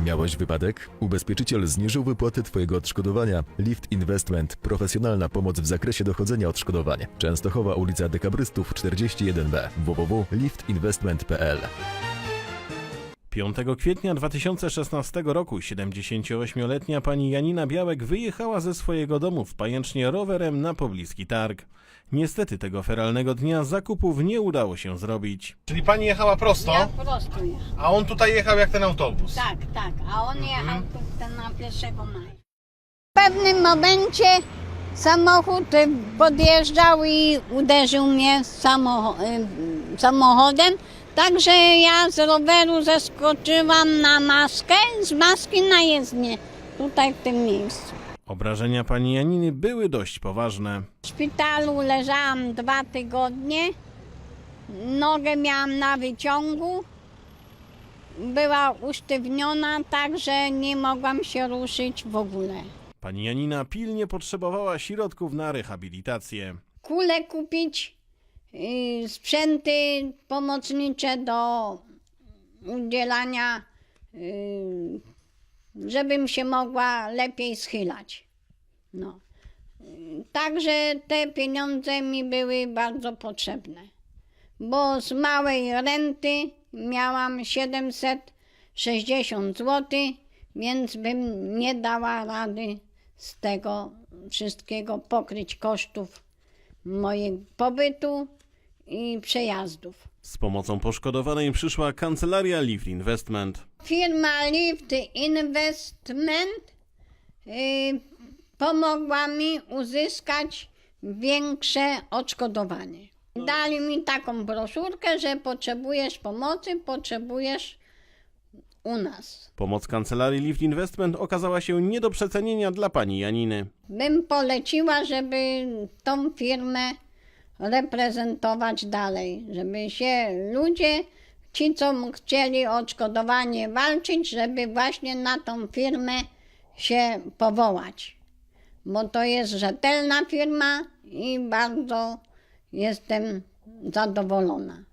Miałeś wypadek? Ubezpieczyciel zniżył wypłaty Twojego odszkodowania. Lift Investment. Profesjonalna pomoc w zakresie dochodzenia odszkodowań. Częstochowa, ulica Dekabrystów 41B. www.liftinvestment.pl. 5 kwietnia 2016 roku 78-letnia pani Janina Białek wyjechała ze swojego domu w Pajęcznie rowerem na pobliski targ. Niestety tego feralnego dnia zakupów nie udało się zrobić. Czyli pani jechała prosto, Ja prosto jechał. a on tutaj jechał jak ten autobus. Tak, tak. A on jechał tu na 1 maja. W pewnym momencie samochód podjeżdżał i uderzył mnie samochodem. Także ja z roweru zeskoczyłam na maskę, z maski na jezdnię, tutaj w tym miejscu. Obrażenia pani Janiny były dość poważne. W szpitalu leżałam 2 tygodnie, nogę miałam na wyciągu, była usztywniona, także nie mogłam się ruszyć w ogóle. Pani Janina pilnie potrzebowała środków na rehabilitację. Kule kupić, sprzęty pomocnicze do udzielania, żebym się mogła lepiej schylać. No. Także te pieniądze mi były bardzo potrzebne, bo z małej renty miałam 760 zł, więc bym nie dała rady z tego wszystkiego pokryć kosztów mojego pobytu i przejazdów. Z pomocą poszkodowanej przyszła kancelaria Lift Investment. Firma Lift Investment pomogła mi uzyskać większe odszkodowanie. Dali mi taką broszurkę, że potrzebujesz pomocy, potrzebujesz u nas. Pomoc kancelarii Lift Investment okazała się nie do przecenienia dla pani Janiny. Bym poleciła, żeby tą firmę reprezentować dalej, żeby się ludzie, ci co chcieli o odszkodowanie walczyć, żeby właśnie na tą firmę się powołać. Bo to jest rzetelna firma i bardzo jestem zadowolona.